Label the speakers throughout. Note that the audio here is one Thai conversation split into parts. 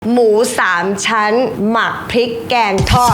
Speaker 1: หมู3 ชั้นหมักพริกแกงทอด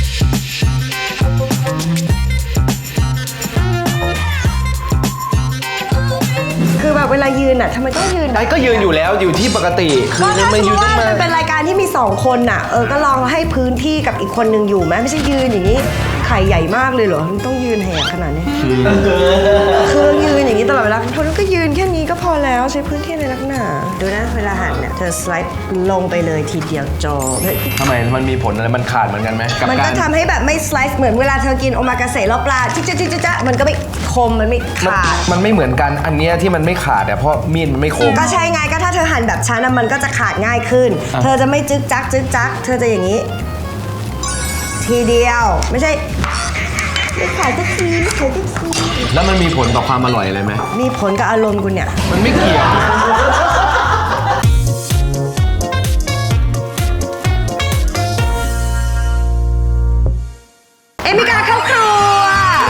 Speaker 1: คือแบบเวลายืนอ่ะทำไมต้องยืน
Speaker 2: ก็ยืนอยู่แล้วอยู่ที่ปกติคือไม่ยืนต้องมา
Speaker 1: มันเป็นรายการที่มี2 คนน่ะก็ลองให้พื้นที่กับอีกคนหนึ่งอยู่ไหมไม่ใช่ยืนอย่างนี้ไข่ใหญ่มากเลยเหรอต้องยืนแหกขนาดนี้คือยืนอย่างนี้ตลอดเวลาคนก็ยืนแค่นี้ก็พอแล้วใช้พื้นที่ในลักหนาดูนะเวลาหันเนี่ยเธอสไลด์ลงไปเลยทีเดียวจบ
Speaker 2: ทำไมมันมีผลอะไรมันขาดเหมือนกันไหม
Speaker 1: มันก็ทำให้แบบไม่สไลด์เหมือนเวลาเธอกินโอมากาเสะแล้วปลาจ๊ะมันก็ไม่คมมันไม่ขาด
Speaker 2: มันไม่เหมือนกันอันเนี้ยที่มันไม่ขาดเพราะมีดมันไม่คม
Speaker 1: ก็ใช่ไงก็ถ้าเธอหั่นแบบฉันมันก็จะขาดง่ายขึ้นเธอจะไม่จึ๊กจักเธอจะอย่างนี้ทีเดียวไม่ใช่ไม่ขายสักที
Speaker 2: แล้วมันมีผลต่อความอร่อยอะไรไหม
Speaker 1: มีผลกับอารมณ์คุณเนี่ย
Speaker 2: มันไม่เกี่ยว
Speaker 1: เอมิกาเข้าครัว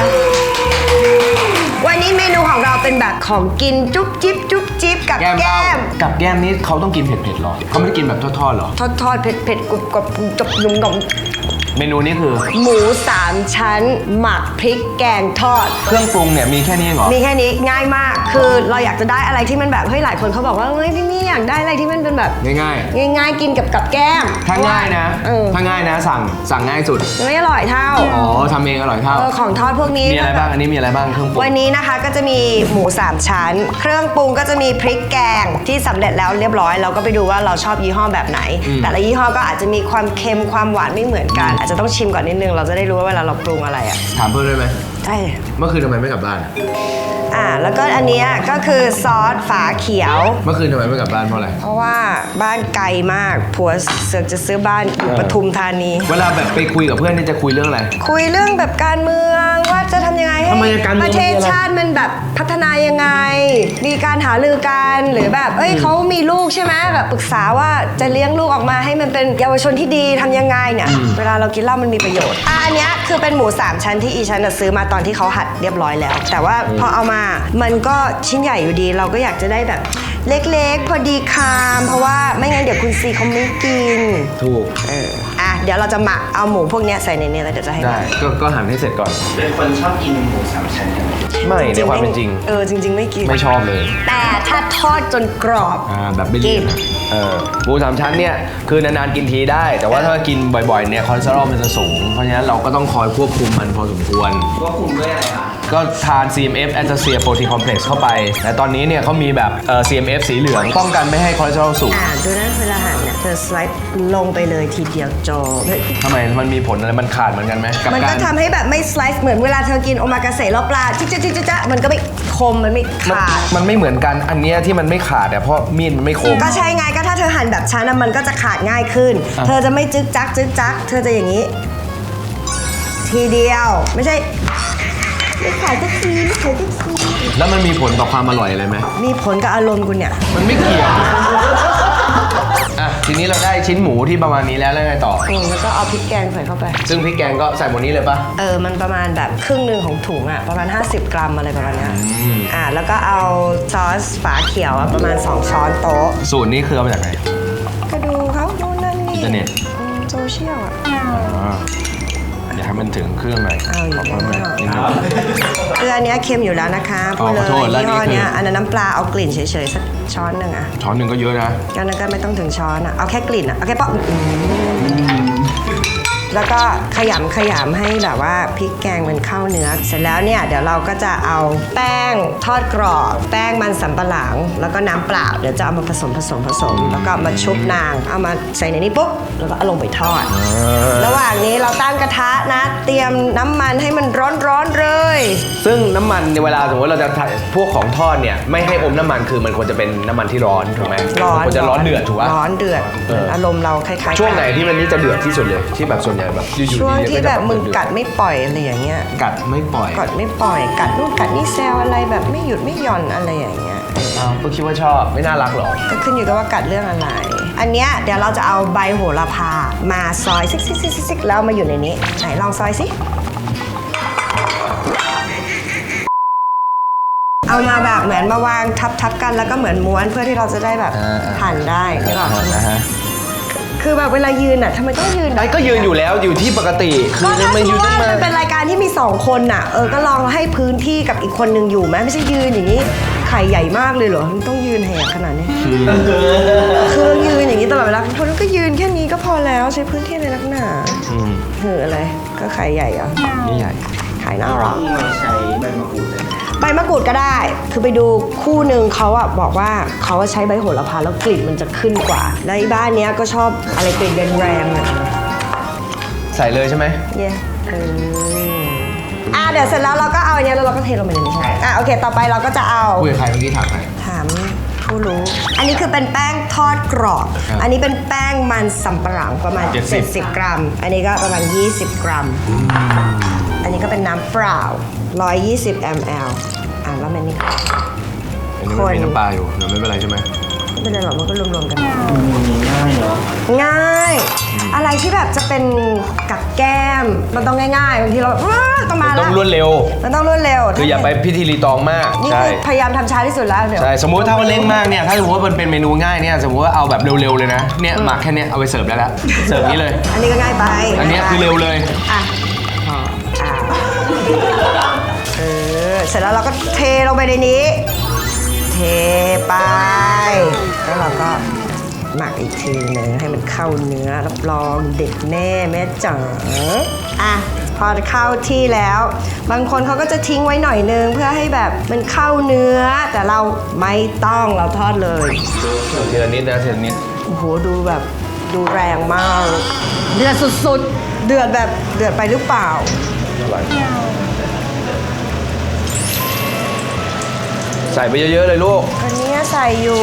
Speaker 1: วันนี้เมนูของเราเป็นแบบของกินจุ๊บจิ๊บกับแก้ม
Speaker 2: กับแก้มนี้เขาต้องกินเผ็ดๆหรอเขาไม่ได้กินแบบทอดๆหรอ
Speaker 1: ทอดเผ็ดกรุบจบนุ่ม
Speaker 2: เมนูนี้คือ
Speaker 1: หมู3 ชั้นหมักพริกแกงทอด
Speaker 2: เครื่องปรุงเนี่ยมีแค่นี้เหรอ
Speaker 1: มีแค่นี้ง่ายมากคือเราอยากจะได้อะไรที่มันแบบเฮ้ยหลายคนเขาบอกว่าเฮ้ยพี่มี่อยากได้อะไรที่มันเป็นแบบ
Speaker 2: ง่
Speaker 1: ายกินกับแก้ม
Speaker 2: ถ้าง่ายนะสั่งง่ายสุด
Speaker 1: ไม่อร่อยเท่า
Speaker 2: ทำเองอร่อยเท่า
Speaker 1: ของทอดพวกนี้
Speaker 2: มีอะไรบ้างอันนี้มีอะไรบ้างเครื่องปรุง
Speaker 1: วันนี้นะคะก็จะมีหมู3 ชั้นเครื่องปรุงก็จะมีพริกแกงที่สำเร็จแล้วเรียบร้อยเราก็ไปดูว่าเราชอบยี่ห้อแบบไหนแต่ละยี่ห้อก็อาจจะมีความเค็มความหวานไม่เหมือนกันอาจจะต้องชิมก่อนนิดนึงเราจะได้รู้ว่าเวลาเราปรุงอะไร
Speaker 2: ถามเพิ่มได้ไหม
Speaker 1: ได้
Speaker 2: เมื่อคืนทำไมไม่กลับบ้าน
Speaker 1: แล้วก็อันนี้ก็คือซอสฝาเขียว
Speaker 2: เมื่อคืนทำไมไม่กลับบ้านเพราะอะไร
Speaker 1: เพราะว่าบ้านไกลมากผัวเสือกจะซื้อบ้านอยู่ปทุมธานี
Speaker 2: เวลาแบบไปคุยกับเพื่อนนี่จะคุยเรื่องอะไร
Speaker 1: คุยเรื่องแบบการเมืองว่าจะทำยังไงให้ประเทศชาติมันแบบพัฒนายังไงมีการหารือกันหรือแบบเขามีลูกใช่ไหมแบบปรึกษาว่าจะเลี้ยงลูกออกมาให้มันเป็นเยาวชนที่ดีทำยังไงเนี่ยเวลาเรากินเหล้ามันมีประโยชน์อันนี้คือเป็นหมู3 ชั้นที่อีฉันซื้อมาตอนที่เขาหั่นเรียบร้อยแล้วแต่ว่าพอเอามามันก็ชิ้นใหญ่อยู่ดีเราก็อยากจะได้แบบเล็กๆพอดีคามเพราะว่าไม่งั้นเดี๋ยวคุณซีเขาไม่กิน
Speaker 2: ถูก
Speaker 1: เดี๋ยวเราจะหมักเอาหมูพวกนี้ใส่ในนี้แล้วเดี๋ยวจะให้
Speaker 2: ได้ก็หั่นให้เสร็จก่อน
Speaker 3: เป็นคนชอบกินหมู3 ชั้นกันไหม
Speaker 2: ไม่ในความเป็นจริง
Speaker 1: จริงไม่กิน
Speaker 2: ไม่ชอบเลย
Speaker 1: แต่ถ้าทอดจนกรอบ
Speaker 2: แบบไม่เลี่ยนหมู3 ชั้นเนี่ยคือนานๆกินทีได้แต่ว่าถ้ากินบ่อยๆเนี่ยคอเลสเตอรอลมันจะสูงเพราะฉะนั้นเราก็ต้องคอยควบคุมมันพอสมควร
Speaker 3: ควบคุมด้วยอะไรคะ
Speaker 2: ก็ทาน CMF Astaxia Protein Complex เข้าไปแต่ตอนนี้เนี่ยเขามีแบบCMF สีเหลืองป้องกันไม่ให้คอเลสเตอรอลสูง
Speaker 1: ดูนะเวลาหั่นเนี่ยเธอสไลด์ลงไปเลยทีเดียวจบ
Speaker 2: ทำไมมันมีผลอะไรมันขาดเหมือนกันไหม
Speaker 1: มันก็ทำให้แบบไม่สไลด์เหมือนเวลาเธอกินโอมากาเสะแล้วปลาจ๊ะมันก็ไม่คมมันไม่ขาด
Speaker 2: มันไม่เหมือนกันอันเนี้ยที่มันไม่ขาดเพราะมีดมันไม่คม
Speaker 1: ก็ใช่ไงก็ถ้าเธอหั่นแบบฉันมันก็จะขาดง่ายขึ้นเธอจะไม่จึ๊กจักเธอจะอย่างนี้ทีเดียวไม่ใช่ไม่ขายสักที
Speaker 2: แล้วมันมีผลต่อความอร่อยอะไรไหม
Speaker 1: มีผลกับอารมณ์คุณเนี่ย
Speaker 2: มันไม่เกี่ยวทีนี้เราได้ชิ้นหมูที่ประมาณนี้แล้วไงต่อ
Speaker 1: แล้วก็เอาพริกแกงใส่เข้าไป
Speaker 2: ซึ่งพริกแกงก็ใส่หมดนี้เลยปะ
Speaker 1: มันประมาณแบบครึ่งนึงของถุงประมาณ50 กรัมอะไรประมาณนี้แล้วก็เอาซอสฝาเขียวประมาณ2 ช้อนโต๊ะ
Speaker 2: สูตรนี้คือเอามาจากไหน
Speaker 1: ก็ดูเขาดูนั่นนี่
Speaker 2: อินเทอร์เน็ต
Speaker 1: โซเชียล
Speaker 2: อยากให้มันถึงเครื่องหน่อย
Speaker 1: ขอบคุณมากอันนี้เค็มอยู่แล้วนะคะพูดเลยยี่ห้อนี้อันนั้นน้ำปลาเอากลิ่นเฉยๆสักช้อนหนึ่ง
Speaker 2: ช้อนหนึ่งก็เยอะนะ
Speaker 1: ก็นั้นก็ไม่ต้องถึงช้อนเอาแค่กลิ่นเอาแค่ป๊อกแล้วก็ขยำให้แบบว่าพริกแกงมันเข้าเนื้อเสร็จแล้วเนี่ยเดี๋ยวเราก็จะเอาแป้งทอดกรอบแป้งมันสำปะหลังแล้วก็น้ำเปล่าเดี๋ยวจะเอามาผสมแล้วก็มาชุบนางเอามาใส่ในนี้ปุ๊บแล้วก็เอาลงไปทอดระหว่างนี้เราตั้งกระทะนะเตรียมน้ำมันให้มันร้อนเลย
Speaker 2: ซึ่งน้ำมันในเวลาสมมติเราจะพวกของทอดเนี่ยไม่ให้อมน้ำมันคือมันควรจะเป็นน้ำมันที่ร้อนถูกไหมควรจะร้อนเดือดถูกป่ะ
Speaker 1: ร้อนเดือดอารมณ์เราคล้ายๆ
Speaker 2: ช่วงไหนที่มันนี่จะเดือดที่สุดเลยที่แบบส่วนใหญ่แบบ
Speaker 1: ช่วงที่แบบมึงกัดไม่ปล่อยอะไรอย่างเงี้ย
Speaker 2: กัดไม่ปล่อย
Speaker 1: กัดนู่นกัดนี่แซวอะไรแบบไม่หยุดไม่หย่อนอะไรอย่างเงี้ย
Speaker 2: ก็คิดว่าชอบไม่น่ารักหรอ
Speaker 1: ก็ขึ้นอยู่กับว่ากัดเรื่องอะไรอันเนี้ยเดี๋ยวเราจะเอาใบโหระพามาซอยซิกแล้วมาอยู่ในนี้ไหนลองซอยสิเอามาแบบเหมือนมาวางทับกันแล้วก็เหมือนม้วนเพื่อที่เราจะได้แบบหั่นได้หรือเปล่าคือแบบเวลายืนอ่ะทำไมต้องยืน
Speaker 2: ไอ้ก็ยืนอยู่แล้วอยู่ที่ปกติคื
Speaker 1: ก็
Speaker 2: อ
Speaker 1: ถ้า
Speaker 2: มัน
Speaker 1: สม
Speaker 2: ยื
Speaker 1: ม
Speaker 2: น
Speaker 1: ติ
Speaker 2: ได้
Speaker 1: ว่า
Speaker 2: มา
Speaker 1: มันเป็นรายการที่มี2คนน่ะก็ลองให้พื้นที่กับอีกคนนึงอยู่ไหมไม่ใช่ยืนอย่างนี้ไข่ใหญ่มากเลยเหรอมันต้องยืนแหกขนาดนี้คือยืนอย่างนี้ตลอดเวลาคนก็ยืนแค่นี้ก็พอแล้วใช้พื้นที่ในนักหนาเหอะอะไรก็ไข่ใหญ่เหรอ
Speaker 2: นี่ใหญ่
Speaker 1: ไข่น่ารัก
Speaker 3: ต้องมาใช้ใบมะกรูดเลยนะ
Speaker 1: ใบมะกรูดก็ได้ คือไปดูคู่หนึ่งเขาอะบอกว่าเขาใช้ใบโหระพาแล้วกลิ่นมันจะขึ้นกว่า แล้วไอ้บ้านเนี้ยก็ชอบอะไรกลิ่นแรงๆอะ
Speaker 2: ใส่เลยใช่ไหม
Speaker 1: เย่เดี๋ยวเสร็จแล้วเราก็เอาอันเนี้ยแล้วเราก็เทลงไปในนี้ใช่ไหมโอเค ต่อไปเราก็จะเอา
Speaker 2: คุยกับใครเมื่อกี้ถามใคร
Speaker 1: ถามผู้รู้ อันนี้คือเป็นแป้งทอดกรอบ
Speaker 2: ครับ
Speaker 1: อันนี้เป็นแป้งมันสำปะหลังประมาณ 70 กรัม อันนี้ก็ประมาณ 20 กรัม อันนี้ก็เป็นน้ำเปล่า 120 ml แล้วมันนี่
Speaker 2: อันนี้มันมีน้ำปลาอยู่เดี๋ยวไม่เป็นไรใช่ไหม
Speaker 1: ไม่เป็นไรหรอกมันก็รวมๆกัน
Speaker 3: ง่ายเนาะ
Speaker 1: ง่าย อะไรที่แบบจะเป็นกับแก้ม มันต้องง่ายๆบางทีเราแบบว้าต้องมา
Speaker 2: ต้
Speaker 1: แล้
Speaker 2: อง
Speaker 1: ว
Speaker 2: รวดเร็ว
Speaker 1: มันต้องรวดเร็ว
Speaker 2: คืออย่าไปพิธีรีตองมาก
Speaker 1: นี่
Speaker 2: ใช่
Speaker 1: คือพยายามทำช้าที่สุดแล้วเดี๋ยว
Speaker 2: ใช่สมมุติถ้ามันเร่งมากเนี่ยถ้าสมมติว่ามันเป็นเมนูง่ายเนี่ยสมมติว่าเอาแบบเร็วๆเลยนะเนี่ยหมักแค่เนี้ยเอาไปเสิร์ฟได้แล้วเสิร์ฟนี้เลย
Speaker 1: อันนี้ก็ง่ายไป
Speaker 2: อันเนี้ยคือเร็วเลย
Speaker 1: อ่ะเสร็จแล้วเราก็เทลงไปในนี้ เทไป แล้วเราก็หมักอีกทีหนึ่งให้มันเข้าเนื้อรับรองเด็ดแน่แม่จ๋าพอเข้าที่แล้ว บางคนเขาก็จะทิ้งไว้หน่อยนึงเพื่อให้แบบมันเข้าเนื้อ แต่เราไม่ต้องเราทอดเลย
Speaker 2: เทีละนิดนะเทีละนิด
Speaker 1: โอ้โหดูแบบดูแรงมาก เดือดสุดๆ เดือดแบบเดือดไปหรือเปล่า
Speaker 2: ใส่ไปเยอะๆเลยลูก
Speaker 1: อันนี้ใส่อยู่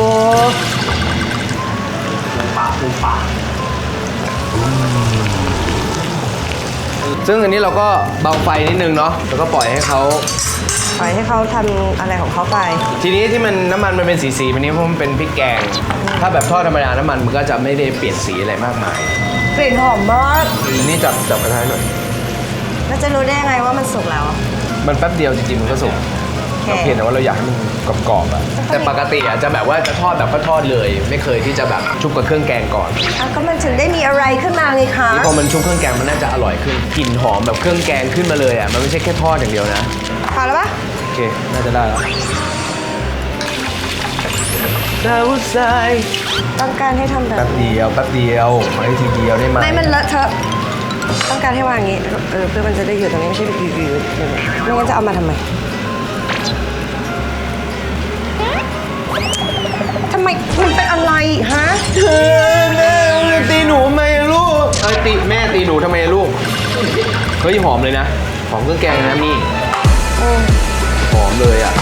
Speaker 2: ซึ่งอันนี้เราก็เบาไฟนิดนึงเนาะแล้วก็ปล่อยให้เขา
Speaker 1: ปล่อยให้เขาทำอะไรของเขาไป
Speaker 2: ทีนี้ที่มันน้ำมันมันเป็นสีๆแบบนี้เพราะมันเป็นพริกแกง ถ้าแบบทอดธรรมดาน้ำมันมันก็จะไม่ได้เปลี่ยนสีอะไรมากมาย
Speaker 1: กลิ่นหอมมาก
Speaker 2: นี่จับกระทะหน่อย
Speaker 1: แล้วจะรู้ได้ยังไงว่ามันสุกแล้ว
Speaker 2: มันแป๊บเดียวจริงๆมันก็สุก
Speaker 1: โอเค
Speaker 2: เราเพียงแต่ว่าเราอยากให้มันกรอบๆอะแต่ปกติอะจะแบบว่าจะทอดแบบก็ทอดเลย ไม่เคยที่จะแบบชุบกับเครื่องแกงก่อน
Speaker 1: ก็มันถึงได้มีอะไรขึ้นมาไงคะ
Speaker 2: นี่พอมันชุบเครื่องแกงมันน่าจะอร่อยขึ้นกลิ่นหอมแบบเครื่องแกงขึ้นมาเลยอะมันไม่ใช่แค่ทอดอย่างเดียวนะ
Speaker 1: พอแล้วปะ
Speaker 2: โอเคน่าจะได้แล้วดาวทราย
Speaker 1: ต้องการให้ทำแบบ
Speaker 2: แป๊บเดียวขอให้ทีเดียวได้ไหม
Speaker 1: ไม่มันเลอะเทอะต้องการให้วางอย่างนี้เพื่อมันจะได้อยู่ตรงนี้ไม่ใช่อยู่ไม่งั้นจะเอามาทำไมทำไมมันเป็นอะไรฮะ
Speaker 2: แม่ตีหนูทำไมลูกแม่ตีหนูทำไมลูกเฮ้ยหอมเลยนะหอมเครื่องแกงเลยนะมี่หอมเลยอ่ะ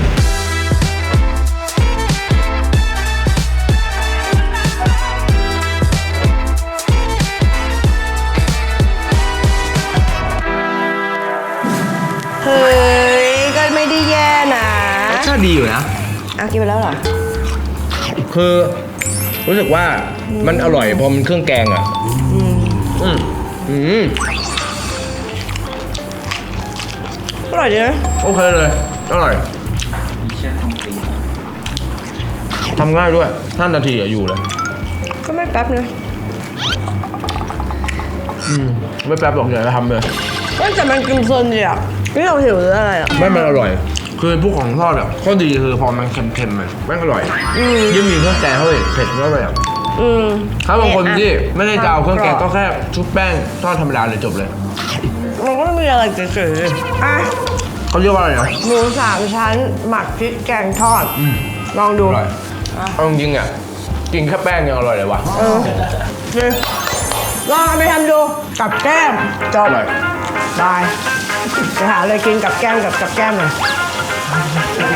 Speaker 1: เฮ้ยก็ไม่ได้แย่นะ
Speaker 2: รสชาติดีอยู่นะ
Speaker 1: เอากินไปแล้วเหรอ
Speaker 2: คือรู้สึกว่ามันอร่อยพอมันเครื่องแกงอ่ะ
Speaker 1: อร่อยดีนะ
Speaker 2: โอเคเลยอร่อย
Speaker 3: มีเชือกทำตีน
Speaker 2: ทำง่ายด้วย5 นาทีอะอยู่เลย
Speaker 1: ก็ไม่แป๊บนะ
Speaker 2: ไม่แป๊บหรอกอย่าทำเลย
Speaker 1: แต่มันกินเพลินดีอ่ะนี่เราหิวหรืออะไรอ่ะ
Speaker 2: ไม่มันอร่อย คือพวกของทอดอ่ะข้อดีคือพอมันเค็มๆมันไม่อร่อยยิ่งมีเครื่องแกงเข้าไปเผ็ดก็ไปอ่ะถ้าบางคนที่ไม่ได้จะเอาเครื่องแกงก็แค่ชุบแป้งทอดธรรมดาเลยจบเลย
Speaker 1: มันก็ไม่มีอะไรเฉยๆอ่ะ
Speaker 2: เขาเรียกว่าอะไรนะ
Speaker 1: หมู3 ชั้นหมักพริกแกงทอด ลองดู
Speaker 2: อร่อยเอาจริงๆอ่ะกินแค่แป้งยังอร่อยเลยว่ะ
Speaker 1: นี่ลองเอาไปทำดูกับแก้มจบ
Speaker 2: อร่อย
Speaker 1: ได้ไปหาอะไรกินกับแก้มกับแก้มหน่อย